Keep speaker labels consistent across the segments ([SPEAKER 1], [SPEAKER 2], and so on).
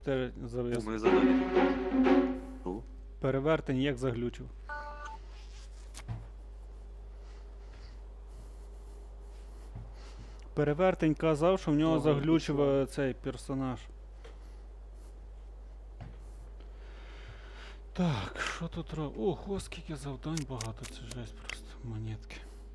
[SPEAKER 1] завис.
[SPEAKER 2] Ми задали. Ну,
[SPEAKER 1] Перевертень як заглючив. Перевертень казав, що в нього
[SPEAKER 3] Ага,
[SPEAKER 1] заглючив
[SPEAKER 3] пішло.
[SPEAKER 1] цей персонаж. Так, що тут робить? Ого, скільки завдань багато, це жесть просто. Монетки.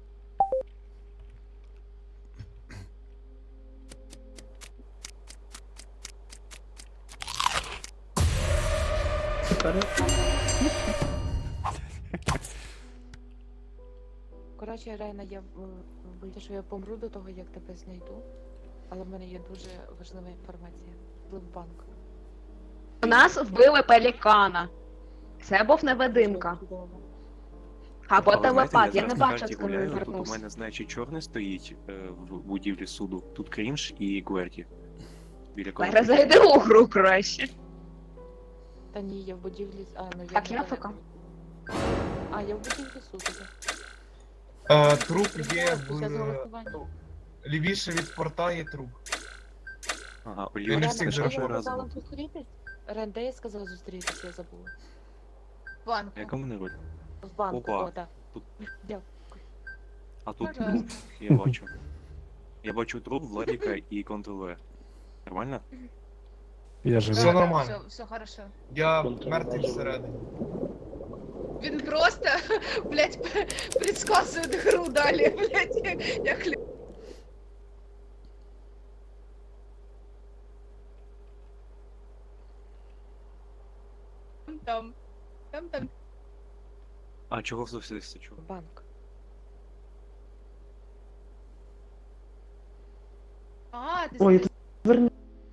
[SPEAKER 4] Коротше, Рейна, я боюся, що я помру до того, як тебе знайду. Але в мене є дуже важлива інформація. Флипбанк.
[SPEAKER 5] У нас вбили пелікана. Це був невидимка. Або
[SPEAKER 2] але знаєте,
[SPEAKER 5] телепат, я не
[SPEAKER 2] зараз на
[SPEAKER 5] бачу,
[SPEAKER 2] карті
[SPEAKER 5] з ким він
[SPEAKER 2] гуляю, тут у
[SPEAKER 5] вернувся.
[SPEAKER 2] мене, значить, чорний стоїть в будівлі суду. Тут Крінж і Гверті. Біля кого?
[SPEAKER 5] Перезайди у гру краще.
[SPEAKER 4] Та ні, я в будівлі. А, ну я
[SPEAKER 5] Так,
[SPEAKER 4] не
[SPEAKER 5] я
[SPEAKER 4] знаю.
[SPEAKER 5] ФК.
[SPEAKER 4] А, я в будівлі суду.
[SPEAKER 3] Труп є
[SPEAKER 4] Після
[SPEAKER 3] в...
[SPEAKER 4] голосування.
[SPEAKER 3] Лівіше від порта є труп.
[SPEAKER 2] Ага,
[SPEAKER 3] Він
[SPEAKER 2] Олівія,
[SPEAKER 3] не
[SPEAKER 2] це
[SPEAKER 3] встиг
[SPEAKER 2] що
[SPEAKER 3] зробити.
[SPEAKER 2] ж
[SPEAKER 4] Я сказала
[SPEAKER 2] разом?
[SPEAKER 4] зустрітись? Ренде я сказала зустрітись, я забула.
[SPEAKER 6] В банку.
[SPEAKER 2] А яка в мене роль?
[SPEAKER 4] В банку,
[SPEAKER 2] Опа.
[SPEAKER 4] о, так.
[SPEAKER 2] Тут.
[SPEAKER 4] Дякую.
[SPEAKER 2] А тут
[SPEAKER 6] Пожалуйста.
[SPEAKER 2] труп, я бачу. Я бачу труп, Владіка і Ctrl-V. Нормально?
[SPEAKER 7] Я
[SPEAKER 3] Все
[SPEAKER 7] живий.
[SPEAKER 3] нормально.
[SPEAKER 6] Все хорошо.
[SPEAKER 3] Я мертвий всередині.
[SPEAKER 6] Він просто, блядь, предсказує гру далі, блядь, як там. Там.
[SPEAKER 2] А чого все чого?
[SPEAKER 4] В банк.
[SPEAKER 6] А, ти
[SPEAKER 8] Ой,
[SPEAKER 6] знаєш.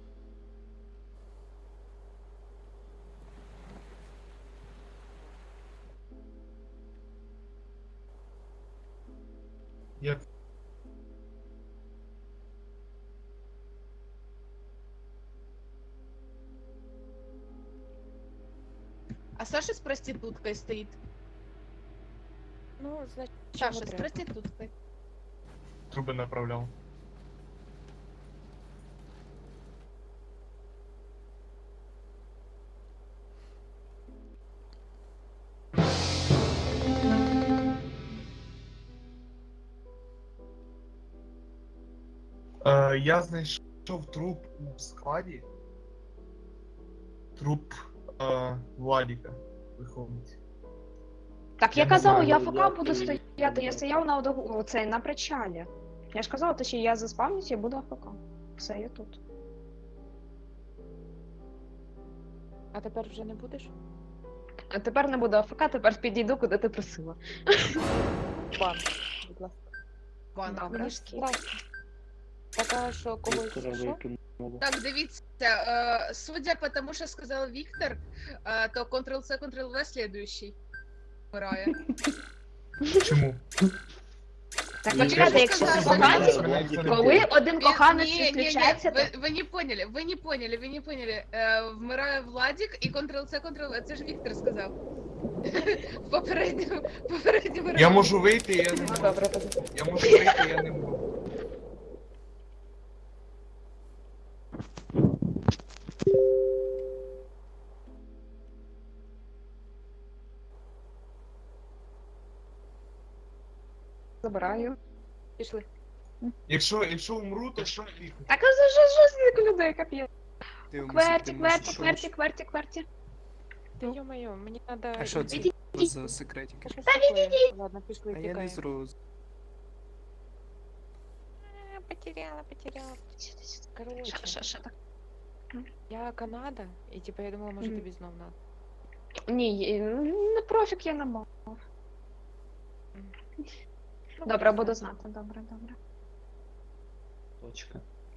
[SPEAKER 3] Я...
[SPEAKER 6] А Саша з проституткою стоїть.
[SPEAKER 4] Ну, значить, чого
[SPEAKER 6] Саша з
[SPEAKER 4] треба?
[SPEAKER 6] проституткою.
[SPEAKER 3] Труби направляв. Я знайшов труп у складі. Труп Владіка. Виходить.
[SPEAKER 5] Так
[SPEAKER 3] Я
[SPEAKER 5] я
[SPEAKER 3] не
[SPEAKER 5] казала,
[SPEAKER 3] знаю,
[SPEAKER 5] я
[SPEAKER 3] я
[SPEAKER 5] АФК буду стояти, я стояв на оцей, на причалі. Я ж казала, що я заспавнюсь і буду АФК. Все, я тут.
[SPEAKER 4] А тепер вже не будеш?
[SPEAKER 5] А тепер не буду АФК, тепер підійду, куди ти просила.
[SPEAKER 4] В банк, будь ласка.
[SPEAKER 6] Банк.
[SPEAKER 5] Добре.
[SPEAKER 4] Мені ж страшно. Така, що когось що?
[SPEAKER 6] Так, дивіться, судя по тому, що сказав Віктор, то Ctrl-C, Ctrl-V слідуючий. Вмирає.
[SPEAKER 3] Чому?
[SPEAKER 5] Так
[SPEAKER 6] Ну,
[SPEAKER 5] почекайте,
[SPEAKER 6] я
[SPEAKER 5] якщо
[SPEAKER 6] ж
[SPEAKER 5] це
[SPEAKER 6] сказала,
[SPEAKER 5] коханці,
[SPEAKER 6] що
[SPEAKER 3] мене ніхто не
[SPEAKER 5] коли
[SPEAKER 3] б'є.
[SPEAKER 5] один коханець
[SPEAKER 6] Не, не, не,
[SPEAKER 5] відключається, то...
[SPEAKER 6] вы не поняли, вы не поняли, вы не поняли. Вмирає Владик і Ctrl-C, Ctrl-V, це ж Віктор сказав. В попередньому
[SPEAKER 3] Я
[SPEAKER 6] раунді.
[SPEAKER 3] можу вийти, я не
[SPEAKER 5] Ну,
[SPEAKER 3] можу.
[SPEAKER 5] добре, тоді.
[SPEAKER 3] Я можу вийти, я не можу.
[SPEAKER 5] Забираю.
[SPEAKER 4] Пішли.
[SPEAKER 3] Якщо умру, то що їх?
[SPEAKER 5] Так, а за що з людей, капець? Кверті.
[SPEAKER 4] Та ё-моё, мені надо...
[SPEAKER 7] А що це
[SPEAKER 5] Відійдіть.
[SPEAKER 7] за секретики?
[SPEAKER 4] Та відійдіть! Ладно, пішли,
[SPEAKER 7] А я не
[SPEAKER 4] тікаємо.
[SPEAKER 7] зрозумів.
[SPEAKER 4] Потеряла. Короче,
[SPEAKER 5] Що так?
[SPEAKER 4] я Канада, і типа я думала, може
[SPEAKER 5] Мгм.
[SPEAKER 4] тобі знов надо.
[SPEAKER 5] Ні, не профік я не мав.
[SPEAKER 4] Ну,
[SPEAKER 5] Добре, буду знати. Добре.
[SPEAKER 8] Точка.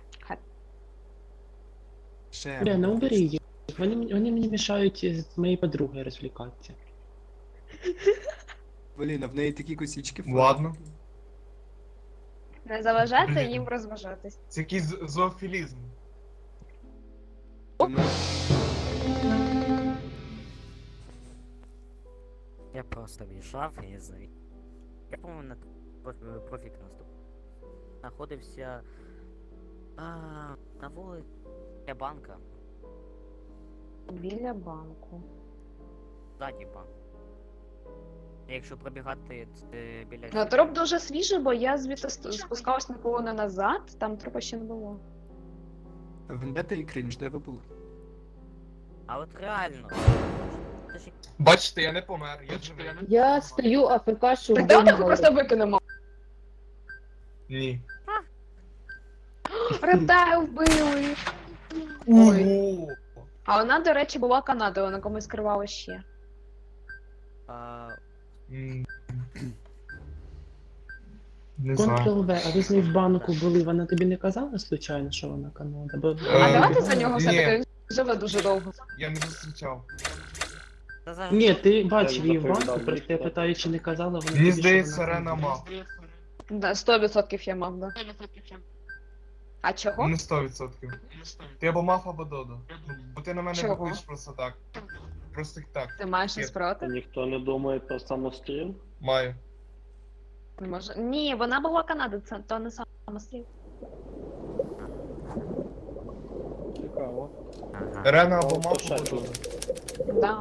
[SPEAKER 7] Ще.
[SPEAKER 8] Бля, ну убери їх. Вони мені мішають з моєю подругою розвлікатися.
[SPEAKER 7] Блін, а в неї такі косички.
[SPEAKER 3] Ладно.
[SPEAKER 5] Не заважати
[SPEAKER 3] Блін.
[SPEAKER 5] їм розважатись.
[SPEAKER 3] Це якийсь зоофілізм.
[SPEAKER 7] Вона-
[SPEAKER 9] Я просто в'їжджав і звів. Я, по-моєму, на профік наступ. Знаходився на вулиці банка.
[SPEAKER 5] Біля банку.
[SPEAKER 9] Ззаді банк. Якщо пробігати біля...
[SPEAKER 5] Ну, труп дуже свіжий, бо я звідти спускалась наполовину назад, там трупа ще не було.
[SPEAKER 7] Вендета і крінж, де ви були?
[SPEAKER 9] А от реально. Це ж
[SPEAKER 3] Бачите, я не помер, я живий.
[SPEAKER 10] Я стою АФК, що
[SPEAKER 5] Так давайте просто викинемо.
[SPEAKER 3] Ні.
[SPEAKER 5] Рептайл вбили. Ой.
[SPEAKER 3] Ого!
[SPEAKER 5] А вона, до речі, була Канадою, на комусь скривала ще.
[SPEAKER 3] М. Не знаю.
[SPEAKER 8] Ctrl-V, а ви з нею в банку були, вона тобі не казала случайно, що вона Канада? Бо...
[SPEAKER 5] А
[SPEAKER 3] Е,
[SPEAKER 5] давайте за нього
[SPEAKER 3] ні.
[SPEAKER 5] все-таки, він живе дуже довго.
[SPEAKER 3] Я не зустрічав.
[SPEAKER 9] Та зараз...
[SPEAKER 8] Ні, ти бачив її в банку, просто я питаю, чи не казала вона тобі,
[SPEAKER 3] Мені
[SPEAKER 8] що
[SPEAKER 3] здається,
[SPEAKER 8] вона
[SPEAKER 3] Рена
[SPEAKER 8] Канада.
[SPEAKER 3] мав.
[SPEAKER 5] Да, 100% я мав, да. А чого?
[SPEAKER 3] Не 100%. Ти або мав, або Додо. Ну, бо ти на мене
[SPEAKER 5] Чого?
[SPEAKER 3] бухаєш просто так. Просто так.
[SPEAKER 5] Ти маєш щось проти?
[SPEAKER 11] Ніхто не думає про самостріл?
[SPEAKER 3] Маю.
[SPEAKER 5] Не може. Ні, вона була Канада, це то не самостріл.
[SPEAKER 11] Цікаво.
[SPEAKER 9] Ага.
[SPEAKER 3] Рена або
[SPEAKER 11] О,
[SPEAKER 3] мав,
[SPEAKER 11] то
[SPEAKER 3] або
[SPEAKER 11] ще
[SPEAKER 3] Додо.
[SPEAKER 5] Да.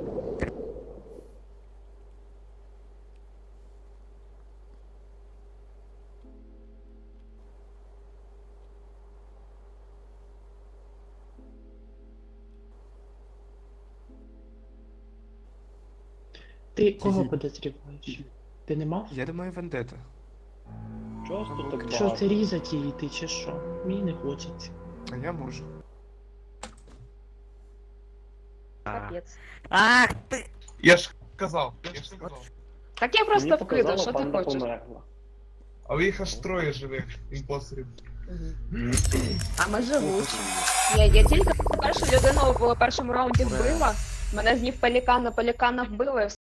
[SPEAKER 8] Ти кого подозріваєш? Ти не мав?
[SPEAKER 7] Я думаю, Вендета.
[SPEAKER 11] Чого ж тут так
[SPEAKER 8] Що
[SPEAKER 11] багато?
[SPEAKER 8] це різати її ти чи що? Мені не хочеться.
[SPEAKER 7] А я можу.
[SPEAKER 5] Капець.
[SPEAKER 9] Ах ти!
[SPEAKER 3] Я ж казав, я ж сказав.
[SPEAKER 5] Так я просто
[SPEAKER 11] Мені
[SPEAKER 5] вкидав,
[SPEAKER 11] показало,
[SPEAKER 5] що ти
[SPEAKER 11] панда
[SPEAKER 5] хочеш?
[SPEAKER 11] померла.
[SPEAKER 3] Але їх аж троє живих імпостерів.
[SPEAKER 5] А ми живучі. Я тільки першу людину в першому раунді вбила, мене з них пелікана вбили,